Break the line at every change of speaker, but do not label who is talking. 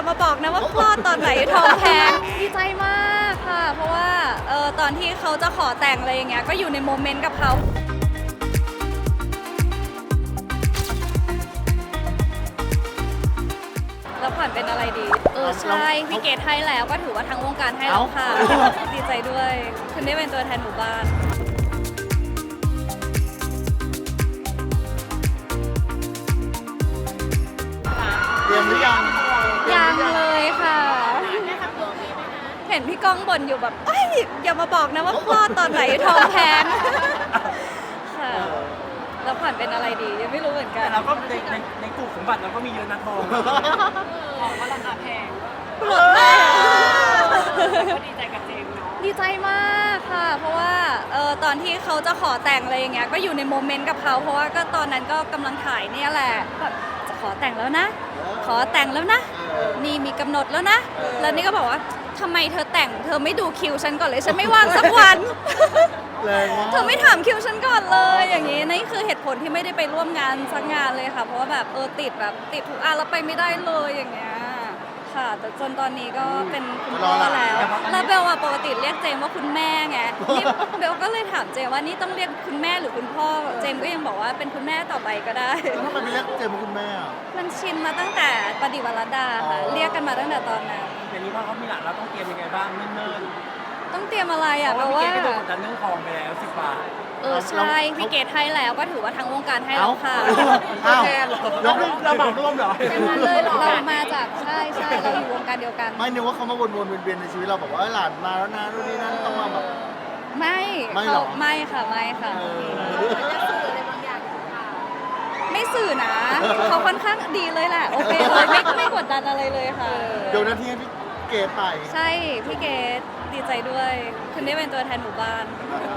มาบอกนะว่าคลอดตอนไหนท้องแพงดีใจมากค่ะเพราะว่าตอนที่เขาจะขอแต่งอะไรอย่างเงี้ยก็อยู่ในโมเมนต์กับเขาแล้วผ่อนเป็นอะไรดีใช่พี่เกดให้แล้วก็ถือว่าทั้งวงการให้แล้วค่ะดีใจด้วยคุณได้เป็นตัวแทนหมู่บ้าน
เตรียมหรือยัง
ยังเลยค่ะเห็นพี่ก้องบ่นอยู่แบบเอ้ยอย่ามาบอกนะว่าคลอดตอนไหนท้องแพงค่ะแล้วผ่อนเป็นอะไรดียังไม่รู้เหมือนกัน
แต่เราก็ในกลุ่มสมบัติเราก็มีเยอะนะทองของก็ราคาแพง
หลุดมาก
ก็ดีใจกับเจมส์เนาะ
ดีใจมากค่ะเพราะว่าตอนที่เขาจะขอแต่งอะไรอย่างเงี้ยก็อยู่ในโมเมนต์กับเขาเพราะว่าก็ตอนนั้นก็กำลังถ่ายเนี่ยแหละแบบจะขอแต่งแล้วนะ ขอแต่งแล้วนะนี่มีกำหนดแล้วนะแล้วนี่ก็บอกว่าทำไมเธอแต่งเธอไม่ดูคิวฉันก่อนเลยฉันไม่ว่างสักวัน
แรงมาก
เธอไม่ถามคิวฉันก่อนเลยอย่างนี้นี่คือเหตุผลที่ไม่ได้ไปร่วมงานสักงานเลยค่ะเพราะว่าแบบติดทุกอันแล้วไปไม่ได้เลยอย่างเงี้ยค่ะแต่จนตอนนี้ก็เป็นคุณพ่อแล้วเบลอะปกติเรียกเจมว่าคุณแม่ไงนี่เบลก็เลยถามเจมว่านี่ต้องเรียกคุณแม่หรือคุณพ่อเจมก็ยังบอกว่าเป็นคุณแม่ต่อไปก็ได้
แล้วทำไมไม่เรียกเจมส์ว่าคุณแม่อะ
มันชินมาตั้งแต่ปฏิวัติรัตดาค่ะเรียกกันมาตั้งแต่ตอนนั้น
อย่างนี้พอเขามีหลานเราต้องเตรียมยังไงบ้างเนิ่น
ต้องเตรียมอะไร
ๆ
อ่ะ
เพ
เพ
ราะ
ราะ
ว่า
ว่า
พี่เกดก็โดนกดดันเรื่องทองไปแล้ว10 บาท
ใช่พี่เกดให้แล้วก็ถือว่าทั้งวงการให้แล้วค่ะ
อ้าว
เราเหมาร่วมเหรอ
เรามาจากใช่เราอยู่วงการเดียวกัน
ไม่นึกว่าเขามาวนๆเวียนๆในชีวิตเราบอกว่าหลานมาแล้วนะนู่นนี่นั่นต้องมาแบบ
ไม่
ไม่หรอ
ไม่ค่ะไม่สื่อนะ เขาค่อนข้างดีเลยแหละโอเคเลยไม่กดดันอะไรเลยค่ะ
เดี๋ยวนาทีให้พี่เกดไป
ใช่พี่เกดดีใจด้วยคุณได้เป็นตัวแทนหมู่บ้าน